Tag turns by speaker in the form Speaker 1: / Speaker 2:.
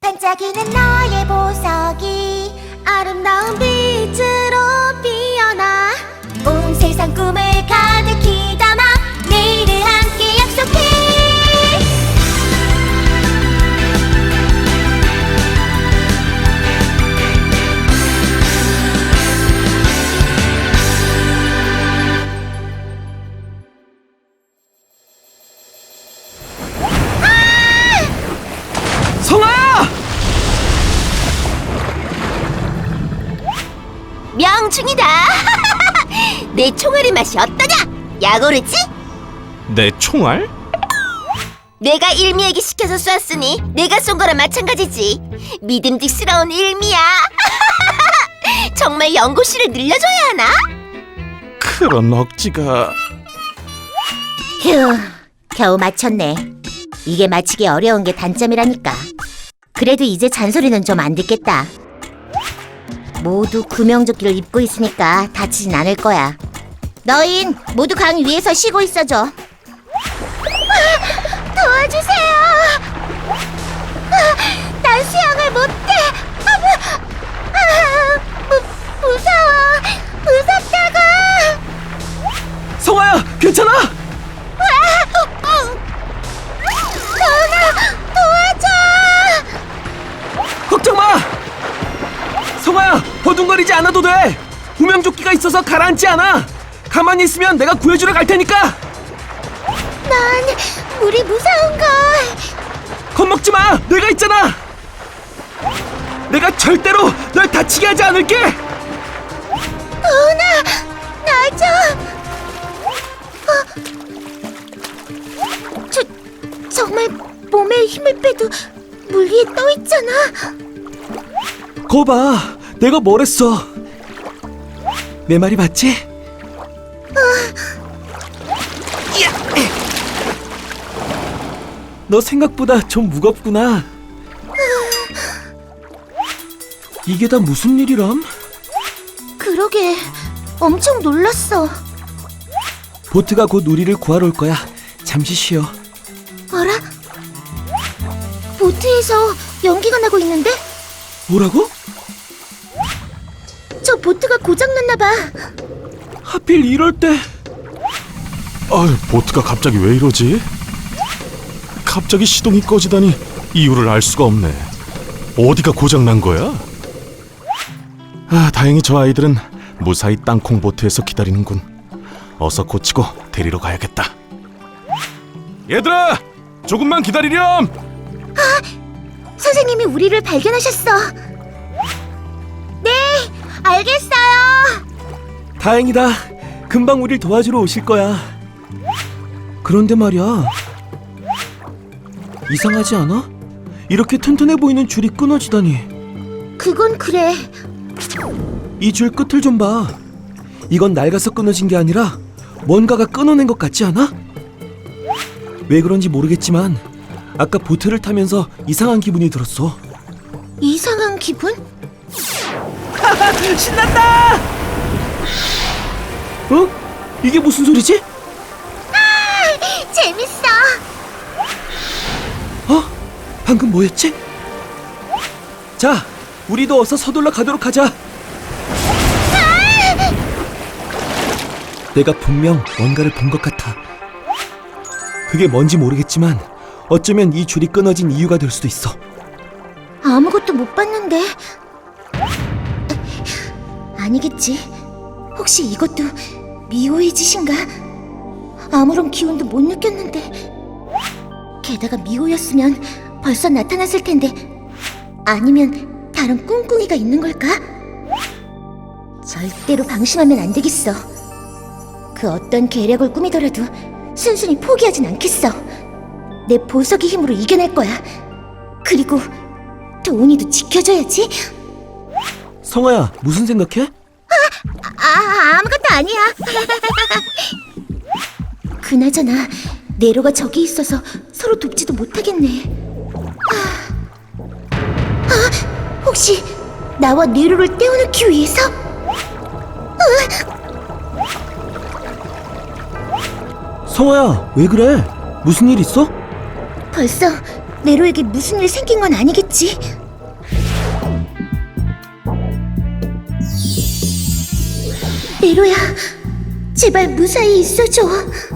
Speaker 1: 반짝이는 너의 보석이 아름다운 빛으로 피어나 온 세상 꿈을 가득히 담아 내일을 함께 약속해.
Speaker 2: 성아야!
Speaker 1: 명중이다. 내 총알의 맛이 어떠냐? 야고르지?
Speaker 2: 내 총알?
Speaker 1: 내가 일미에게 시켜서 쐈으니 내가 쏜 거랑 마찬가지지. 믿음직스러운 일미야. 정말 연고씨를 늘려줘야 하나?
Speaker 2: 그런 억지가...
Speaker 3: 휴, 겨우 맞췄네. 이게 맞히기 어려운 게 단점이라니까. 그래도 이제 잔소리는 좀 안 듣겠다. 모두 구명조끼를 입고 있으니까 다치진 않을 거야. 너흰 모두 강 위에서 쉬고 있어줘.
Speaker 1: 도와주세요. 난 수영을 못해. 무서워. 무섭다고.
Speaker 2: 성아야! 괜찮아!
Speaker 1: 도훈아, 도와줘.
Speaker 2: 걱정 마! 성아야! 버둥거리지 않아도 돼! 구명조끼가 있어서 가라앉지 않아! 가만히 있으면 내가 구해주러 갈 테니까!
Speaker 1: 난 물이 무서운걸.
Speaker 2: 겁먹지 마! 내가 있잖아! 내가 절대로 널 다치게 하지 않을게!
Speaker 1: 도훈아, 나 좀. 정말 몸에 힘을 빼도 물 위에 떠 있잖아.
Speaker 2: 거봐! 내가 뭘 했어! 내 말이 맞지? 야! 너 생각보다 좀 무겁구나. 이게 다 무슨 일이람?
Speaker 1: 그러게, 엄청 놀랐어.
Speaker 2: 보트가 곧 우리를 구하러 올 거야. 잠시 쉬어.
Speaker 1: 어라? 보트에서 연기가 나고 있는데?
Speaker 2: 뭐라고?
Speaker 1: 저 보트가 고장났나 봐.
Speaker 2: 하필 이럴 때.
Speaker 4: 보트가 갑자기 왜 이러지? 갑자기 시동이 꺼지다니 이유를 알 수가 없네. 어디가 고장난 거야? 다행히 저 아이들은 무사히 땅콩 보트에서 기다리는군. 어서 고치고 데리러 가야겠다. 얘들아! 조금만 기다리렴!
Speaker 1: 선생님이 우리를 발견하셨어. 네, 알겠어요.
Speaker 2: 다행이다. 금방 우릴 도와주러 오실 거야. 그런데 말이야. 이상하지 않아? 이렇게 튼튼해 보이는 줄이 끊어지다니.
Speaker 1: 그건 그래.
Speaker 2: 이 줄 끝을 좀 봐. 이건 낡아서 끊어진 게 아니라 뭔가가 끊어낸 것 같지 않아? 왜 그런지 모르겠지만 아까 보트를 타면서 이상한 기분이 들었어.
Speaker 1: 이상한 기분?
Speaker 2: 신난다! 어? 이게 무슨 소리지?
Speaker 1: 재밌어.
Speaker 2: 어? 방금 뭐였지? 자, 우리도 어서 서둘러 가도록 하자. 내가 분명 뭔가를 본 것 같아. 그게 뭔지 모르겠지만 어쩌면 이 줄이 끊어진 이유가 될 수도 있어.
Speaker 1: 아무것도 못 봤는데. 아니겠지. 혹시 이것도 미호의 짓인가? 아무런 기운도 못 느꼈는데. 게다가 미호였으면 벌써 나타났을 텐데. 아니면 다른 꿍꿍이가 있는 걸까? 절대로 방심하면 안 되겠어. 그 어떤 계략을 꾸미더라도 순순히 포기하진 않겠어. 내 보석의 힘으로 이겨낼 거야. 그리고 도훈이도 지켜줘야지.
Speaker 2: 성아야, 무슨 생각해?
Speaker 1: 아무것도 아니야. 그나저나 네로가 저기 있어서 서로 돕지도 못하겠네. 혹시 나와 네로를 떼어놓기 위해서?
Speaker 2: 성아야, 왜 그래? 무슨 일 있어?
Speaker 1: 벌써 네로에게 무슨 일 생긴 건 아니겠지? 네로야, 제발 무사히 있어줘.